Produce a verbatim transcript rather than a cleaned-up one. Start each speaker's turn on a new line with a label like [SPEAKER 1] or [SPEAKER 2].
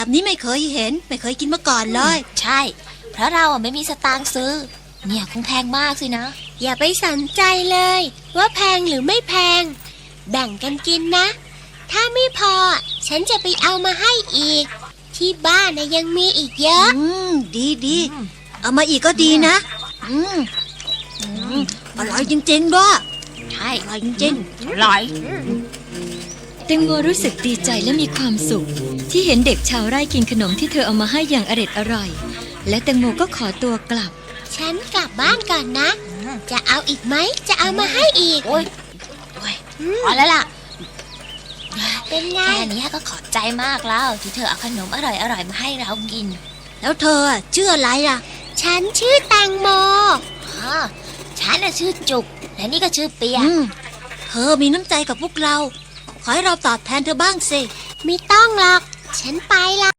[SPEAKER 1] แบบนี้ไม่เคยเห็นไม่เคยกินมาก่อนเลย
[SPEAKER 2] ใช่เพราะเราอ่ะไม่มีสตางค์ซื้อเนี่ยคงแพงมากสินะ
[SPEAKER 3] อย่าไปสนใจเลยว่าแพงหรือไม่แพงแบ่งกันกินนะถ้าไม่พอฉันจะไปเอามาให้อีกที่บ้านนะยังมีอีกเยอะ
[SPEAKER 1] อืมดีดีเอามาอีกก็ดีนะอืมอืมอร่อยจริงๆด้วย
[SPEAKER 2] ใช่
[SPEAKER 1] อร่อยจริง
[SPEAKER 2] ๆอร่อย
[SPEAKER 4] แตงโมรู้สึกดีใจและมีความสุขที่เห็นเด็กชาวไร่กินขนมที่เธอเอามาให้อย่างอร็ดอร่อยและแตงโมก็ขอตัวกลับ
[SPEAKER 3] ฉันกลับบ้านก่อนนะจะเอาอีกไหมจะเอามาให้อีก
[SPEAKER 2] โอ้ยโอ้ยพอแล้วล่ะ
[SPEAKER 3] เป็นไง
[SPEAKER 2] แค่นี้ก็ขอบใจมากแล้วที่เธอเอาขนมอร่อยๆมาให้เรากิน
[SPEAKER 1] แล้วเธอชื่ออะไรล่ะ
[SPEAKER 3] ฉันชื่อแตงโม
[SPEAKER 2] อ๋อฉันน่ะชื่อจุกและนี่ก็ชื่อเปีย
[SPEAKER 1] เธอมีน้ำใจกับพวกเราขอให้เราตอบแทนเธอบ้างสิ
[SPEAKER 3] ไม่ต้องหรอกฉันไปละ